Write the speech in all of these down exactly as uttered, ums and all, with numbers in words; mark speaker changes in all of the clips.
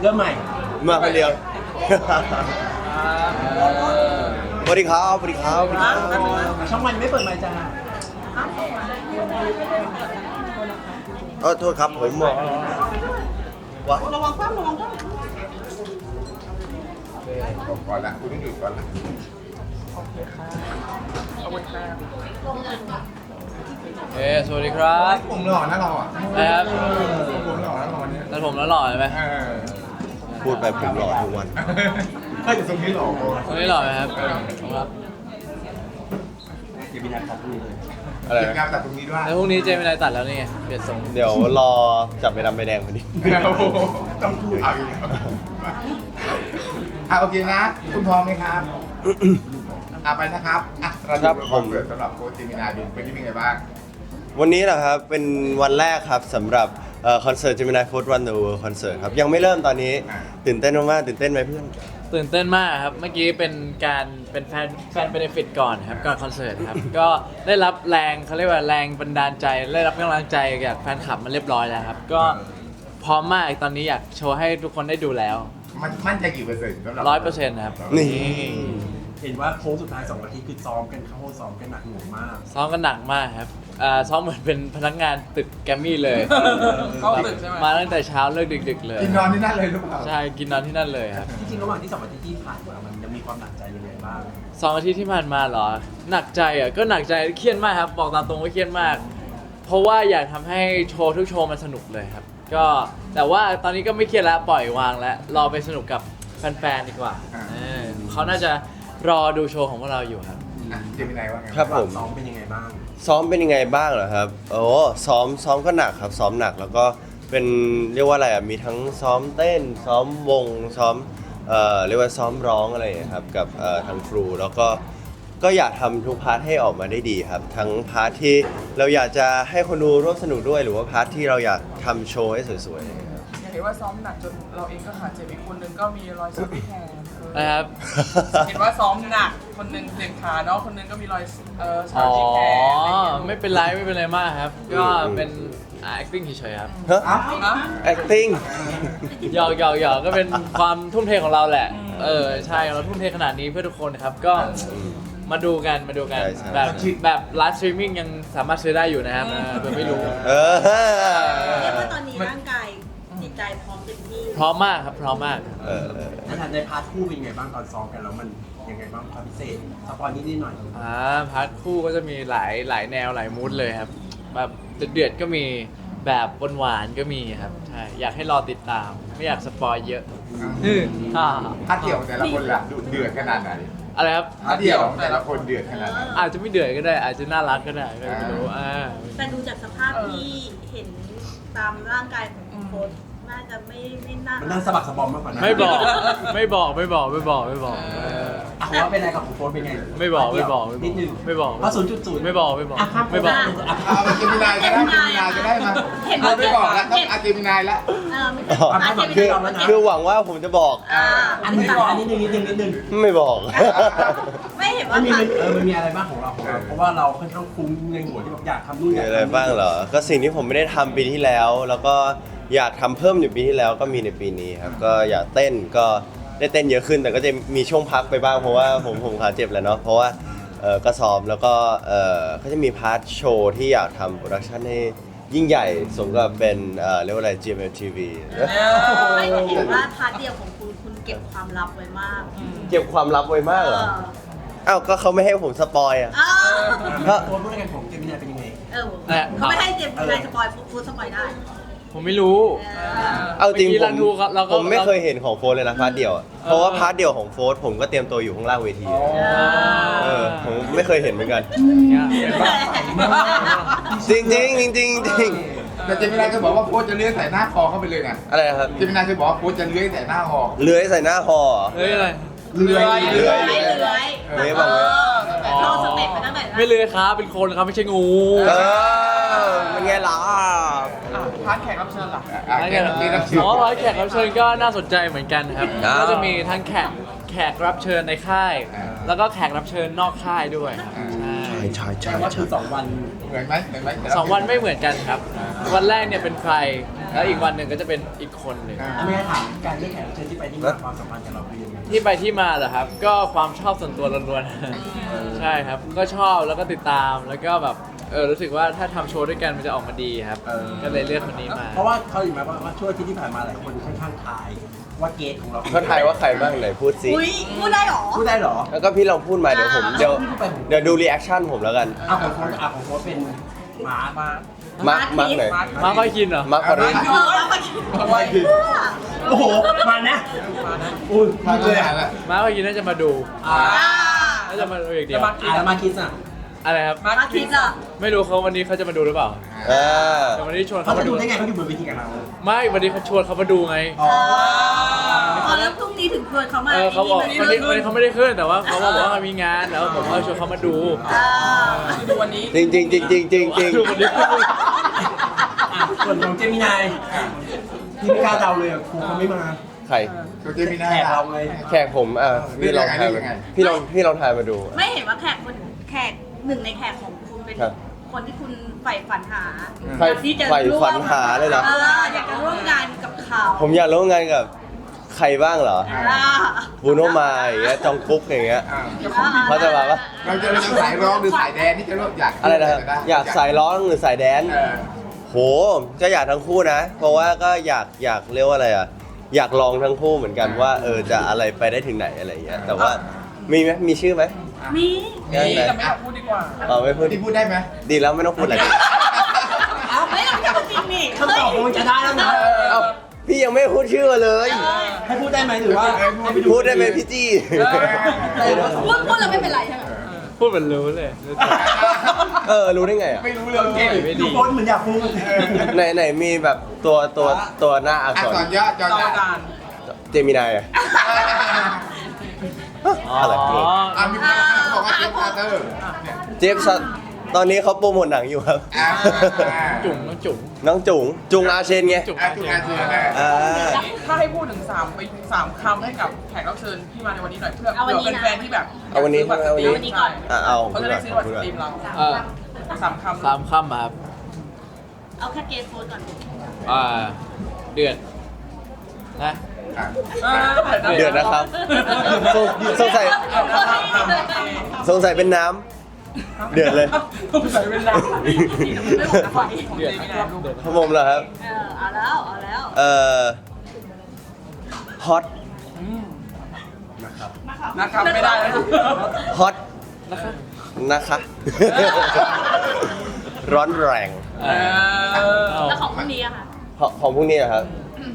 Speaker 1: เริ่มใหม่
Speaker 2: มาคนเดียวสวัสดีครับสวัสดีครับสวัสดีครับ
Speaker 1: ช่องวันไม่เปิดไมค์จ้า
Speaker 2: เออโทษครับผมบอกวะ
Speaker 1: ระวังคว่ำระวังคว่ำ
Speaker 3: ก่อนละคุณต้องหยุดก่อนละ
Speaker 4: เอ้สวัสดีครับ
Speaker 3: ผมหล่อนะเราอ่ะ
Speaker 4: นะครับ
Speaker 3: ผมหล่อนะเราเนี่ย
Speaker 4: แล้วผมแล้วหล่อใช่ไหม
Speaker 3: เออ
Speaker 2: พูดไปผมหล่อทุกวัน
Speaker 3: ถ้าจะทรงนี้หล่อ
Speaker 4: ตรงนี้หล่อไหมครับครับ
Speaker 1: เดี๋ยวมีนัดตัดพรุ่งนี้เลย
Speaker 2: อะไร
Speaker 3: เก็บ
Speaker 2: นะ
Speaker 3: งานตัดตรงนี้ด้วย
Speaker 4: แล้วพรุ่งนี้เจมินายตัดแล้วนี่ไงเปลี่ยนทรง
Speaker 2: เดี๋ยวรอจับไปดำไปแดงพอดี
Speaker 3: โอ้โหต้องพูดเอาอีกแล้วอ่ะโอเคนะ คุณพร้อมไหมครับอ่ะไปนะครับอ่ะเราจะไปคอนเสิร์ตสำหรับโค้ชเจมินาดูเป็นยังไงบ้าง
Speaker 2: วันนี้นะครับเป็นวันแรกครับสำหรับคอนเสิร์ต Gemini Food Run the World Concert ครับยังไม่เริ่มตอนนี้ตื่นเต้นมากๆตื่นเต้นไหมเพื่อน
Speaker 4: ตื่นเต้นมากครับ เมื่อกี้เป็นการเป็นแฟนแฟนเบนฟิตก่อนครับก่อนคอนเสิร์ตครับ ก็ได้รับแรงเขาเรียกว่าแรงบันดาลใจได้รับกำลังใจจากแฟนคลับมาเรียบร้อยแล้วครับ ก็พร้อมมากตอนนี้อยากโชว์ให้ทุกคนได้ดูแล้ว
Speaker 3: มันมั่นใจกี่เปอร์เซ็นต์สำหรับ
Speaker 4: ร้อยเปอร์เซ็นต์ครับ
Speaker 2: นี่
Speaker 1: เห็นว่าโค้งสุดท้ายสองอาทิตย์คือซ้อมกันเข้าห้องซ้อมกันหนักหน่วงมาก
Speaker 4: ซ้อมกันหนักมากครับอ่าซ้อมเหมือนเป็นพนักงานตึกแกรมมี่เลย
Speaker 1: เข้าตึกใช่ไหม
Speaker 4: มาตั้งแต่เช้าเลิกดึกๆเลย
Speaker 3: กินนอนที่นั่นเลยหรือเปล่า
Speaker 4: ใช่กินนอนที่นั่นเลยครับ
Speaker 1: จริงๆระหว่างที่สองอาทิตย์ที่ผ่านมามันยังมีความหนักใจยังไงบ้าง
Speaker 4: สองอาทิตย์ที่ผ่านมาเหรอ หนักใจอ่ะก็หนักใจเครียดมากครับ บอกตามตรงว่าเครียดมาก เพราะว่าอยากทำให้โชว์ทุกโชว์มันสนุกเลยครับ ก็แต่ว่าตอนนี้ก็ไม่เครียดแล้วปล่อยวางแล้วรอไปสนุกกับแฟนๆดีกว่าเออเขาน่าจะรอดูโชว์ของพวกเราอยู่ครับ
Speaker 3: อ่ะเจมินายว่าไง
Speaker 2: ครับผม
Speaker 1: ซ้อมเป็นยังไงบ้าง
Speaker 2: ซ้อมเป็นยังไงบ้างเหรอครับโอ้ซ้อมซ้อมก็หนักครับซ้อมหนักแล้วก็เป็นเรียกว่าอะไรอ่ะมีทั้งซ้อมเต้น ซ้อมวงซ้อมเอ่อเรียกว่าซ้อมร้องอะไรอย่างเงี้ยครับกับเอ่อทางครูแล้วก็ก็อยากทำทุกพาร์ทให้ออกมาได้ดีครับ ทั้งพาร์ทที่เราอยากจะให้คนดูร่วมสนุกด้วย หรือว่าพาร์ทที่เราอยากทำโชว์ให้สวยๆอย่างเงี้ยครับ
Speaker 5: อย่างเห็นว่าซ้อมหนักจนเราเองก็ขาดเจ็บอีกคนนึงก็มีรอยสักที่แขนเออ
Speaker 4: นะครับ
Speaker 5: เห็นว่าซ้อมหนักคนนึงเจ็บขาเนาะคนนึงก็มีรอยเออสั
Speaker 4: อ๋
Speaker 5: ก
Speaker 4: อ
Speaker 5: ที่แขนอะไรอย่างเงี้ย
Speaker 4: ไม่เป็นไรไม่เป็นไรมากครับ ก็เป็น acting เฉยๆครับ
Speaker 2: ฮะ
Speaker 3: อ่ะ
Speaker 5: อ่ะ
Speaker 2: acting
Speaker 4: หยอกหยอกหยอกก็เป็นความทุ่มเทของเราแหละ เออใช่เราทุ่มเทขนาดนี้เพื่อทุกคนครับ ก็มาดูกันมาดูกัน
Speaker 2: ใช่ใช่
Speaker 4: แบบแบบไลฟ์สตรีมมิ่งยังสามารถซื้อได้อยู่นะครับเออเผื่อไม่รู้
Speaker 2: เออ
Speaker 6: เรียกว่าตอนนี้ร่างกายจิตใจพร้อมเต็มที่
Speaker 4: พร้อมมากครับพร้อมมาก
Speaker 2: เออเออ
Speaker 1: ในฐานะในพาร์ทคู่เป็นยังไงบ้างตอนซ้อมกันแล้วมันยังไงบ้างความพิเศษสปอยนิดนิดหน่อย
Speaker 4: อ่าพาร์ทคู่ก็จะมีหลายหลายแนวหลายมูดเลยครับ แบบเดือดๆก็มีแบบหวานๆก็มีครับใช่อยากให้รอติดตาม ไม่อยากสปอยเยอะอืมอ่า
Speaker 3: ถ้าเดี่ยวแต่ละคนล่ะดุเดือดขนาดไหน
Speaker 4: อะไรครับ
Speaker 3: ถ้าเดี่ยวแต่ละคนเดือดขนาดไหน
Speaker 4: อาจจะไม่เดือดก็ได้ อาจจะน่ารักก็ได้ก็ไม่รู้อ่า
Speaker 6: แต่ดูจากสภาพที่เห็นตามร่างกายของโค้ชน่าจะไม่ไม่น่า
Speaker 1: มันน่าสะบักสะบอมมากกว่านั้น
Speaker 4: ไม่บอกไม่บอกไม่บอกไม่บอกไม่บอกเออ
Speaker 1: อ่ะว่าเป็นอะไรกับของโค้ชเป็นไง
Speaker 4: ไม่บอกไม่บอกไม่บอก
Speaker 1: นิดนึง
Speaker 4: ไม่บอก
Speaker 1: เพราะศูนย์จุดศูนย์
Speaker 4: ไม่บอกไม่บอก
Speaker 1: อ่ะภาพ
Speaker 4: ไม่บอก
Speaker 1: อ่ะ
Speaker 3: เอาเจมินายก็ได้เจมินายก็ได้มาเราไม่บอกแล้วต้องอาเจมินายแล้ว
Speaker 6: เออไม่ใช่
Speaker 2: อ๋อ
Speaker 6: อาจจะ
Speaker 1: คื
Speaker 6: เป็น
Speaker 1: อ แล้วนะ
Speaker 2: คือหวังว่าผมจะบอก
Speaker 6: อ่า
Speaker 1: อันนี้ก่อนอันนี้นึงนิดนึงนิดนึง
Speaker 2: ไม่บอก
Speaker 6: ไม่เห็น
Speaker 1: มั
Speaker 6: ว่าน
Speaker 1: มี
Speaker 6: ผ่าน
Speaker 1: เออมันมีอะไรบ้างของเราของเราเพราะว่าเราค่อนข้างคุ้มในหัวที่แบบอยากทำนู่นอ
Speaker 2: มี
Speaker 1: ยาก
Speaker 2: อะไร
Speaker 1: ทำนี่
Speaker 2: บ้างเหรอ ก็สิ่งที่ผมไม่ได้ทำปีที่แล้ว แล้วก็อยากทำเพิ่มอยู่ปีที่แล้วก็มีในปีนี้ครับ ก็อยากเต้นก็ได้เต้นเยอะขึ้น แต่ก็จะมีช่วงพักไปบ้างเพราะว่าผมผมขาเจ็บแหล้วเนาะ เพราะว่าเออก็ซ้อมแล้วก็เออก็จะมีพาร์ทโชว์ที่อยากทำโปรดักชันให้ยิ่งใหญ่สมกับเป็นเออเรียกว่าอะไร จี เอ็ม เอ็ม ที วี
Speaker 6: ไม่แต่เห็นว่าพาร์ทเดียวของคุณคุณเก็บความลับไว้มาก
Speaker 2: เก็บความลับไว้มาก
Speaker 6: เอ
Speaker 2: เหรอ
Speaker 6: อ
Speaker 2: อ้าว ก็เขาไม่ให้ผมสปอยอ่ะ
Speaker 6: เออ
Speaker 2: ฮะ
Speaker 1: โค้ชพูดอะไรกันของเจมินายเป็นยังไง
Speaker 6: เออเขาไม่ให้เจ็บใครสปอยฟูดสปอยได้
Speaker 4: ผมไม่รู้
Speaker 6: เออ
Speaker 2: เอาจริง
Speaker 4: เมื่อกี้
Speaker 2: ผ
Speaker 4: เรา
Speaker 2: ม
Speaker 4: ดูครับเราก็
Speaker 2: ผมไม่เคยเห็นของโฟร์เลยนะพาร์ทเดียวอะเพราะว่าพาร์ทเดียวของโฟร์ผมก็เตรียมตัวอยู่ข้างล่างเวทีอะเออผมไม่เคยเห็นเหมือนกัน จริงจริงจริงจริงจริง
Speaker 3: แต่เจมินายเคยบอกว่าโค้ชจะเลื้อยใส่หน้าคอเข้าไปเลยนะ
Speaker 2: อะไรนะครับ
Speaker 3: เจมินายเคยบอกว่าโค้ชจะเลื้อยใส่หน้าคอ
Speaker 2: เลื้อยใส่หน้าคอเหรอ
Speaker 4: เฮ้ยอะไร
Speaker 3: เลื้อย
Speaker 2: เลื้อย
Speaker 6: ไม่เลื้อย
Speaker 2: เลื้อยบอกเลย
Speaker 6: เออโชว์สเต็ปไปตั้งแต่
Speaker 4: ไม่เลยครับเป็นคนครับไม่ใช่งู
Speaker 2: เออเป็นไงล่ะ
Speaker 5: อ่ะพาร์ทแขกรับเชิญล่ะ
Speaker 3: อ่ะแขกรับเชิญรับเชิญ
Speaker 4: อ๋อร้อยแขกรับเชิญก็น่าสนใจเหมือนกันครับ
Speaker 2: อ้าว
Speaker 4: ก็จะมีทั้งแขกแขกรับเชิญในค่าย แล้วก็แขกรับเชิญนอกค่ายด้วยครับใช่
Speaker 2: ใช่ใช่
Speaker 1: แต่
Speaker 2: ใช่
Speaker 1: ว่าคือสองวัน
Speaker 3: เหมือนไหมเหมือนไหม
Speaker 4: สองวันไม่เหมือนกันครับ วันแรกเนี่ยเป็นใครแล้วอีกวันหนึ่งก็จะเป็นอีกคนหนึ่ง
Speaker 3: อ่า
Speaker 1: ไม่ได้ถามการเลือกแขกรับเชิญที่ไปที่มาความสัมพันธ์กับเราเป็นยังไง
Speaker 4: ที่ไปที่มาเหรอครับ ก็ความชอบส่วนตัวล้วนๆ ใช่ครับ ก็ชอบแล้วก็ติดตามแล้วก็แบบเออรู้สึกว่าถ้าทำโชว์ด้วยกันมันจะออกมาดีครับ
Speaker 1: เออ
Speaker 4: ก็เลยเลือกคนนี้มา
Speaker 1: เพราะว่าเขาอยู่ไหมว่าว่าช่วงที่ที่ผ่านมาหลายคนค่อนข้างทายว่าเกสของเรา
Speaker 2: เขาทายว่าใครบ้างไหนพูดสิ
Speaker 6: อุ้ยพูดได้เหรอ
Speaker 1: พูดได้เหรอ
Speaker 2: แล้วก็พี่ลองพูดมาเดี๋ยวผมเดี๋ยว
Speaker 1: พี่พูดไปผม
Speaker 2: เดี๋ยวดูรีแอคชั่นผมแล้วกัน
Speaker 1: อ่ะของโค้ชอ่ะของโค้ชเป็นหมามา
Speaker 2: มาร์คมาร์คไหน
Speaker 4: มาค่อยกินเหรอ
Speaker 2: มาร์คปาริน
Speaker 6: เออแล้วมาคิด
Speaker 1: ทำไมคือโอ้โหมานะอุ้ย
Speaker 3: มา
Speaker 1: พูด
Speaker 3: เล
Speaker 1: เลย ย
Speaker 3: อ่ะ
Speaker 1: อ่ะ
Speaker 4: มาค่อยกินน่าจะมาดู
Speaker 1: อ่า
Speaker 4: น่าจะมาดูอย่างเดียว
Speaker 1: อ่ะแล้วมาคิดอ่ะ
Speaker 4: อะไรครับ
Speaker 5: มา
Speaker 6: มาคิดอ่ะ
Speaker 4: ไม่รู้เขาวันนี้เขาจะมาดูหรือเปล่า
Speaker 2: อ่า
Speaker 4: แต่วันนี้ชวน
Speaker 1: เขา
Speaker 4: เขา
Speaker 1: จะ
Speaker 4: มา
Speaker 1: ดู
Speaker 4: ดู
Speaker 1: ได้ไงเขาอยู่บนเวทีกับเรา
Speaker 4: ไม่วันนี้เขาชวนเขามาดูไง
Speaker 1: อ๋อ
Speaker 6: พอแล้วพรุ่งนี้ถึงชวนเขามา
Speaker 4: เออเขาบอก
Speaker 6: นี่
Speaker 4: วันนี้วันนี้เขาไม่ได้ขึ้นแต่ว่าเขาบอกว่าเขามีงานแล้วผมก็ชวนเขามาดู
Speaker 6: อ่า
Speaker 5: ดูวันนี้
Speaker 2: จริงจริงจริงจริงจริงจริง
Speaker 4: ดูวันนี้
Speaker 1: อ่ะส่วนของเจมินายที่ไม่กล้าเดาเลยอ่ะครูเขาไม่มา
Speaker 2: ใคร
Speaker 3: ตัวเจมินา
Speaker 1: แขกเราเลย
Speaker 2: แขกผมอ่ะพี่ลองทายมาพี่ลองพี่ลองทายมาดู
Speaker 6: ไม่เห็นว่าแขกคนแขกหนึ่งในแขกของคุณเป็น
Speaker 2: ครับ
Speaker 6: คนที่คุณใฝ่ฝันหา
Speaker 2: ใฝ่
Speaker 6: อยากที่จะ
Speaker 2: ใฝ่
Speaker 6: ร่วม
Speaker 2: ฝันหาเลยเหรอ
Speaker 6: ออยากจะร่วมงานกับเขา
Speaker 2: ผมอยากร่วมงานกับใครบ้างเหรอ
Speaker 6: อ่า
Speaker 2: บูโนมาอย่างเงี้ยจองกุ๊กอย่างเงี้ย
Speaker 3: อ่า
Speaker 2: เขาจะมาปะ
Speaker 3: เราจะเลือกสายร้องหรือสายแดนที่จะเลือกอยาก
Speaker 2: อะไรนะครับอยากสายร้องหรือสายแดนซ์
Speaker 3: เออ
Speaker 2: โหก็อยากทั้งคู่นะ เพราะว่าก็อยากอยากเรียกว่าอะไรอ่ะอยากลองทั้งคู่เหมือนกันว่าเออจะอะไรไปได้ถึงไหนอะไรอย่างเงี้ยแต่ว่ามีไหมมีชื่อไหม
Speaker 6: มี
Speaker 5: นี่แต่ไม่อยากพูดดีกว่า
Speaker 2: เออไม่พูด
Speaker 3: ที่พูดได้ไหม
Speaker 2: ดีแล้วไม่ต้องพูดอะไร
Speaker 6: ไม่ต้องจะจริงนี่
Speaker 1: คำตอบมันจะได้แล้วนะ
Speaker 2: เอ้าพี่ยังไม่พูดชื่อมาเลย
Speaker 1: ให้พูดได้ไหมหรือว่าให้ไป
Speaker 2: พูดได้ไหมพี่จี้
Speaker 6: พูดพูดแล้วไม่เป็นไรใช่ไหม
Speaker 4: พูดเหมือนรู้เลยรู้จัก
Speaker 2: เออรู้ได้ไงอ่ะ
Speaker 3: ไม่รู้เลย
Speaker 4: ไม่ดี
Speaker 1: ทุกคนเหมือนอยากพูด
Speaker 2: ไหนไหนมีแบบตัวตัวตัวหน้าอัก
Speaker 3: อัก
Speaker 2: ษ
Speaker 3: ษ
Speaker 2: ร
Speaker 3: รย่อจอ
Speaker 5: จอ
Speaker 3: จาน
Speaker 5: จาน
Speaker 2: เจมินายอ่ะ
Speaker 4: อ๋อ
Speaker 2: อะไร
Speaker 3: อ่ะมีคนบอกว่าเจมส์คาร์เตอร์เนี่ย
Speaker 2: เจฟสันตอนนี้เขาโปรโมทหนังอยู่ครับ
Speaker 3: อ่า
Speaker 4: จุ๋งน้องจุ๋ง
Speaker 2: น้องจุ๋งจุงอาเชนไง
Speaker 4: จุ๋ง
Speaker 3: อ่ะทุกงานเชิญนะ
Speaker 2: อ่า
Speaker 5: ถ้าให้พูดถึงสามไปสามคำให้กับแขกรับเชิญที่มาในวันนี้หน่อยเพื่อเผื่อเป็นแฟนที่แบบ
Speaker 2: เอาวันนี้
Speaker 5: ซื้บัตรสตรีม
Speaker 2: เอาวันนี้
Speaker 5: ใช่
Speaker 2: อ่ะเอา
Speaker 5: เขาจะได้ซื้อบัตรสตรีมเรา
Speaker 4: เออ
Speaker 5: สามคำ
Speaker 4: สามคำอะครับ
Speaker 6: เอาแค่เกสโฟนก่อน
Speaker 4: อ่าเดือดนะ
Speaker 3: อ่ะ
Speaker 5: เออ
Speaker 2: เดือดนะครับสงสงสัยสงสัยเป็นน้ำเดือดเลย
Speaker 5: ต้องใส่เป็นน้ำไม่บอกนะของของเจมินาดู
Speaker 2: พผมเหรอครับ
Speaker 6: เออเอาแล้วเอาแล้ว
Speaker 2: เอ่อฮอต
Speaker 5: นะครับไม่ได้แล้ว
Speaker 2: ฮอตนะคะ ร้อนแรง
Speaker 4: เออ
Speaker 6: แล้วของพรุ่งนี้อะค่ะ
Speaker 2: ของของพวกนี้เหรอครับ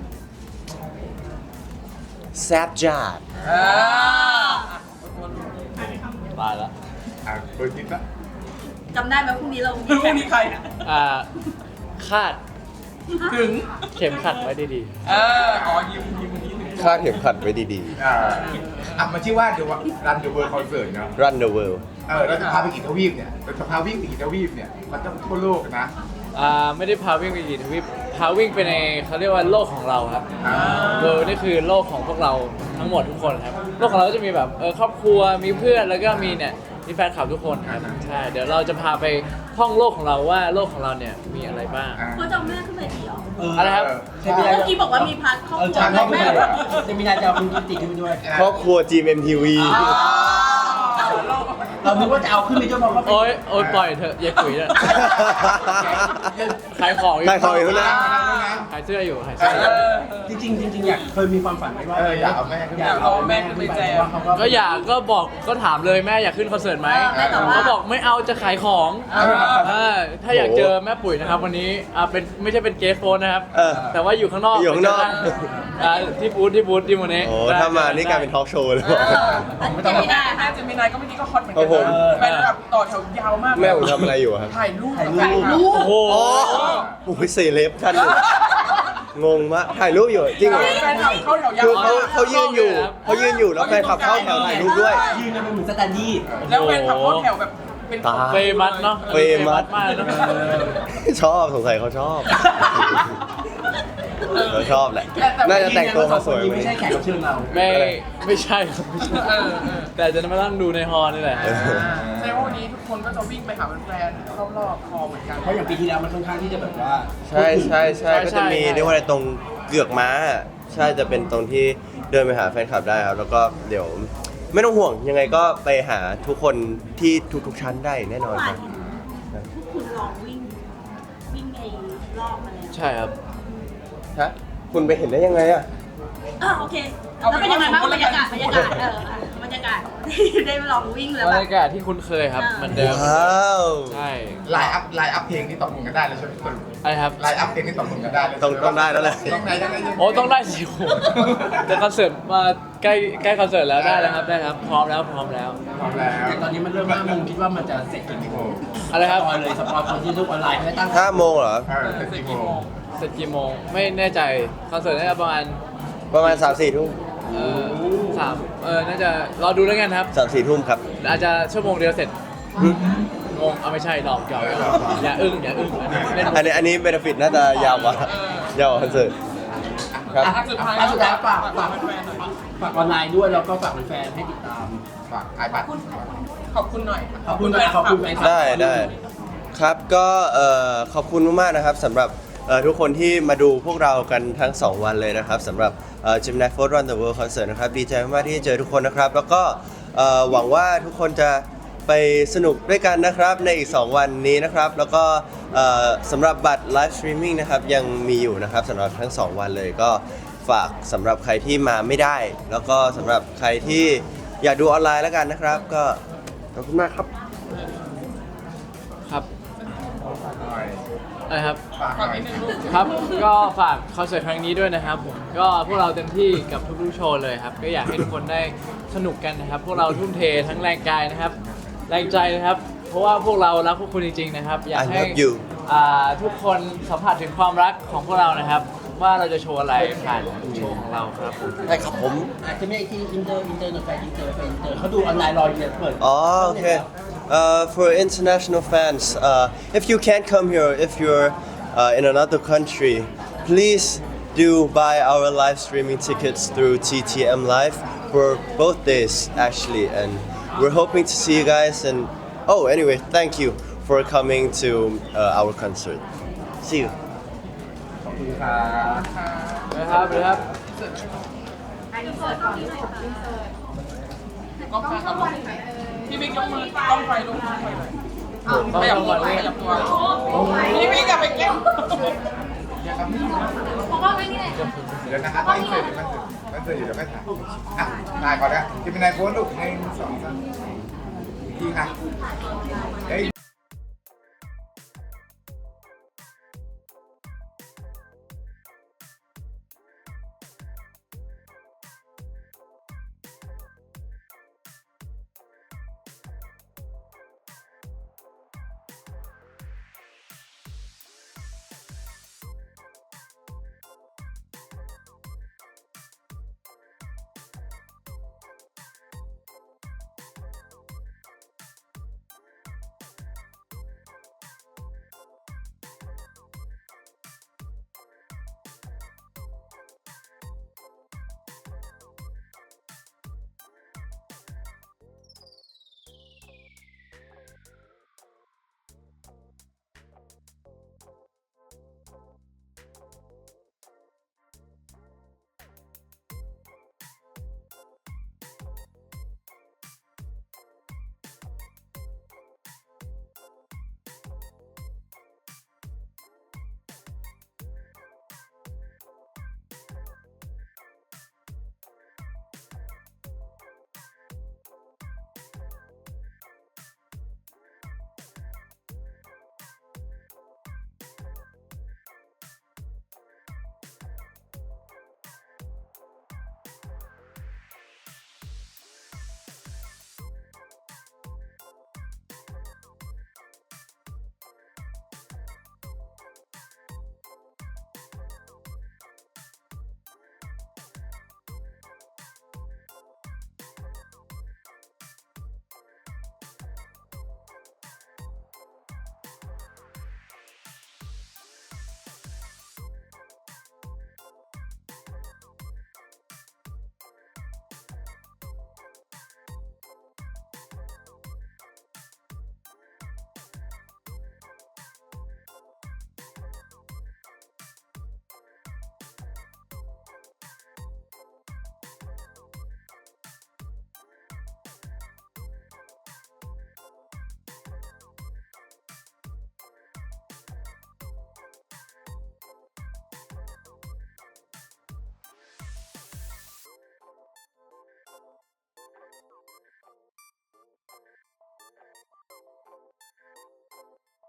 Speaker 2: แซบจัด
Speaker 5: เออ
Speaker 4: ตายแล้ว
Speaker 3: อ่ะเปิดคลิปละ
Speaker 6: จำได้ไหมพรุ่งนี้เรามี
Speaker 5: พรุ่งนี้ใคร
Speaker 4: อ่าคาด
Speaker 5: ถึง
Speaker 4: เข็มขัดไว้ดี
Speaker 5: เอออ๋อยิ้มยิ้มวันนี้ถึง
Speaker 2: คาดเข็มขัดไว้ดี
Speaker 3: อ่าอ่ะมันชื่อว่าเดี๋ยวรันเดอะเวิร์คอนเสิร์ตเนาะ
Speaker 2: ๆ Run the world
Speaker 3: เออเราจะพาไปกี่ทวีปเนี่ยเราจะพาวิ่งไปกี่ทวีปเนี่ยมันต้องทั่วโลกนะ
Speaker 4: ๆอ่าไม่ได้พาวิ่งไปกี่ทวีปพาวิ่งไปในเขาเรียกว่าโลกของเราครับ
Speaker 3: อ่า
Speaker 4: เวิร์นี่คือโลกของพวกเราทั้งหมดทุกคนครับโลกของเราก็จะมีแบบเออครอบครัวมีเพื่อนแล้วก็มีเนี่ยมีแฟนคลับทุกคนครับใช่เดี๋ยวเราจะพาไปท่องโลกของเราว่าโลกของเราเนี่ยมีอะไรบ้าง
Speaker 3: อ่า
Speaker 6: เขาจะเอาแม่ขึ้นไปดีเหรอ
Speaker 1: เออ
Speaker 4: อะไรครับ
Speaker 1: เจมินาย
Speaker 6: เมื่อกี้บอกว่ามีพาร์ทครอบ
Speaker 1: เออ
Speaker 6: ครัว
Speaker 1: จาน
Speaker 6: แม่
Speaker 1: ไม่
Speaker 6: แม่
Speaker 1: ได้
Speaker 6: แบบ
Speaker 1: เจมินายจะเอาคุณกิติขึ้นไปด้วย
Speaker 2: ครอบครัว จี เอ็ม ที วี
Speaker 1: เราคิดว่าจะเอาขึ้นไปด้วยเพราะว่า
Speaker 4: โอ๊ยโอ๊ยปล่อยเถอะอย่าคุยเลยขายของอยู่
Speaker 2: ขายของอยู่นะ
Speaker 4: ขายเสื้ออยู่ขายเสื้ออยู่
Speaker 1: จริงๆจริงๆอยากเคยมีความฝันไหมว่า
Speaker 3: เอออยากเอาแม่ขึ้นไป
Speaker 1: อยากเอาแม่ขึ้นไปแจมว่าเขาก็
Speaker 4: ก็อยากก็บอกก็ถามเลยแม่อยากขึ้นคอนเสิร์ตไหมเขาบอกไม่เอาจะขายของเออถ้าอยากเจอแม่ปุ๋ยนะครับวันนี้อ่าเป็นไม่ใช่เป็นเกสโฟนนะครับ
Speaker 2: เออ
Speaker 4: แต่ว่าอยู่ข้างนอก
Speaker 2: อยู่ข้างนอก
Speaker 4: อ่าที่บูธที่บูธที่โมเน่
Speaker 2: โอ้ถ้ามานี่กลายเป็นทอล์กโชว์เลย
Speaker 6: เออเจมินา
Speaker 5: แม่เจมินายก็เมื่อกี้ก็ฮอตเหมือน
Speaker 2: ครั
Speaker 5: กับ
Speaker 2: ผม
Speaker 5: นแฟนแบบต่อแถวยาวมาก
Speaker 2: แม่ผมทำอะไรอยู่อะครับ
Speaker 5: ถ่ายรูป
Speaker 1: ถ่ายรูป
Speaker 5: กับแฟนคลับ
Speaker 4: โอ้โห
Speaker 2: อ๋อโอ้ยเซเลบท่านหนึ่งงงมากถ่ายรูปอยู่จริงเหรอ
Speaker 5: แฟนคลับเข้าแถวยาว
Speaker 2: คือเขา
Speaker 5: มาก
Speaker 2: เขายืนอยู่เขายืนอยู่แล้วแฟนคลับเข้าแถวถ่ายรูปด้วย
Speaker 1: ยืนกันเป็นเหมือนสแตนดี้
Speaker 5: แล้วแฟนคลับเข้าแถวแบบเป็น
Speaker 2: ตาย
Speaker 4: เฟมัสเนาะ
Speaker 2: เฟมัส
Speaker 4: มากเนอะ
Speaker 2: ชอบสงสัยเขาชอบเขาชอบแหละ น่าจะแต่งตัวมาสวย
Speaker 1: ไม่ใช่แขกรับเชิญเรา
Speaker 4: ไม่ไม่ใช่ครับไม่ใช่
Speaker 5: เออเออ
Speaker 4: แต่จะมานั่งดูในฮอลล์นี่แหละ
Speaker 2: เออ
Speaker 5: แสดงว่าวันนี้ทุกคนก็จะวิ่งไปหาแฟนๆรอบๆคอเหมือนกัน
Speaker 1: เพราะอย่างปีที่แล้วมันค่อนข้างที่จะแบบว่า
Speaker 2: ใช่ใช่ใช่
Speaker 4: ใช่
Speaker 2: ก็จะมี
Speaker 4: ใช่
Speaker 2: เรียกว่าอะไรตรงเกือกม้า ใช่จะเป็นตรงที่เดินไปหาแฟนคลับได้ครับ แล้วก็เดี๋ยวไม่ต้องห่วงยังไงก็ไปหาทุกคนที่ทุกๆชั้นได้แน่นอน
Speaker 6: เมื่อวา
Speaker 2: คน รับ
Speaker 6: เห็นพวกคุณลองวิ่ง วิ่งในรอบมาแล้ว
Speaker 4: ใช่ครับ
Speaker 2: ฮะคุณไปเห็นได้ยังไงอะ
Speaker 6: อ่าโอเคแล้วเป็นยังไงบ้างบรรยากาศบรรยากาศเอออ่ะบรรยากาศที่ได้ลองวิ่งแล้ว
Speaker 4: บร
Speaker 6: แบ
Speaker 4: ร
Speaker 6: บ
Speaker 4: ยากาศที่คุ้นเคยครับ
Speaker 6: อ่า
Speaker 4: เหมือนเดิม
Speaker 2: ว้าว
Speaker 4: ใช่
Speaker 3: ไลน์อัพไลน์อัพเพลงที่ตกลงกันได้เลยใช่ไหมสรุป
Speaker 4: อะไรครับ
Speaker 3: ไลน์อัพเพลงที่ตกลงกันได้เลย
Speaker 2: ต้องต้องได้แล้วแหละ
Speaker 3: ต้องได้ต้องได้
Speaker 4: โอ้ต้องได้สิโอ้โหแต่คอนเสิร์ตมาใกล้ใกล้คอนเสิร์ตแล้วได้แล้วครับได้ครับ พร้อมแล้วพร้อมแล้ว
Speaker 3: พร้อมแล้ว
Speaker 1: แต่ตอนนี้มันเริ่มห้าโมงคิดว่ามันจะเสร็จกี่โมง
Speaker 4: อะไรครับ
Speaker 1: สปอยเลยสปอยคนที่ดูออนไลน์ไม่ตั้ง
Speaker 2: ห้าโมงเหรอ
Speaker 3: เออเป็นกี่โมง
Speaker 4: เสร็จกี่โมงไม่แน่ใจคอนเสิร์ตน่าจะประมาณ
Speaker 2: ประมาณสามสี่ทุ่ม
Speaker 4: เอ่อสามเออน่าจะรอดูแล้วกันครับ
Speaker 2: สามสี่ทุ่มครับ
Speaker 4: อาจจะชั่วโมงเดียวเสร็จงงเอาไม่ใช่หลอกหยอกอย่าอึ้งอย่าอึ้งอันนี้เล่น
Speaker 2: อันนี้อันนี้เบนฟิตน่าจะยาวกว่า ยาวกว่าคอนเสิร์ตครับ
Speaker 1: อ่ะ
Speaker 5: สุดท้าย
Speaker 1: อ่ะสุดท้ายฝากฝาก
Speaker 5: แฟนๆหน่อย
Speaker 1: ฝากออนไลน์ด้วยแล้วก็ฝากแฟนๆให้ติดตาม
Speaker 3: ฝากไอบัตร
Speaker 5: ขอบคุณหน่อย
Speaker 1: ขอบคุณนะขอบคุณแฟนคลับ
Speaker 2: ได้ได้ครับก็เอ่อขอบคุณมากๆนะครับสำหรับเอ่อทุกคนที่มาดูพวกเรากันทั้ง สอง วันเลยนะครับสำหรับเอ่อ Gemini Force Run the World Concert นะครับดีใจมากๆที่เจอทุกคนนะครับ แล้วก็เอ่อหวังว่าทุกคนจะไปสนุกด้วยกันนะครับในอีก สอง วันนี้นะครับ แล้วก็เอ่อสำหรับบัตร Live Streaming นะครับยังมีอยู่นะครับสำหรับทั้ง สอง วันเลยก็ฝากสำหรับใครที่มาไม่ได้ แล้วก็สำหรับใครที่อยากดูออนไลน์แล้วกันนะครับ ก็ขอบคุณมากครับ
Speaker 4: ครับ
Speaker 3: หน่อย
Speaker 4: อะไรครับ
Speaker 3: ฝากห
Speaker 5: ฝาก
Speaker 3: น่อย
Speaker 5: นิดนึงลูก
Speaker 4: ครับ ก็ฝากคอนเสิร์ตครั้งนี้ด้วยนะครับผม ก็พวกเราเต็มที่กับทุกๆโชว์เลยครับ ก็อยากให้ทุกคนได้สนุกกันนะครับ พวกเราทุ่มเททั้งแรงกายนะครับ แรงใจนะครับ เพราะว่าพวกเรารักพวกคุณจริงๆนะครับ อยาก
Speaker 2: I
Speaker 4: ให้
Speaker 2: love you
Speaker 4: อ่าทุกคนสัมผัสถึงความรักของพวกเรานะครับ ว่าเราจะโชว์อะไรผ่านโชว์ของเราครับผม
Speaker 2: ได้ครับผม
Speaker 1: อาจจะไม่ไอ้ที่อินเตอร์อินเตอร์หน่อยแฟนอินเตอร์แฟนอินเตอร์เขาดูออนไลน์รออยู่เนี่ยเปิด
Speaker 2: Oh, okay. Uh, for international fans, uh, if you can't come here, if you're uh, in another country, please do buy our live streaming tickets through T T M Live for both days, actually. And we're hoping to see you guys. And oh, anyway, thank you for coming to uh, our concert. See you.
Speaker 1: ขอบคุณครับ
Speaker 4: นะครับนะครับ
Speaker 5: ก็พาเขาลงพี่บิ๊กยกมือกล้องไฟลงกล้องไฟหน่อยขยับตัวขยับตัวพี่บิ๊กอย่าไปแกล้ง
Speaker 3: เดี๋ยวนะครับไม่เสร็จไม่เสร็จไม่เสร็จอยู่เดี๋ยวไม่ถ่ายอ่ะถ่ายก่อนนะจะเป็นนายโพสต์ลูกหนึ่งสองสามอีกทีค่ะเฮ้ย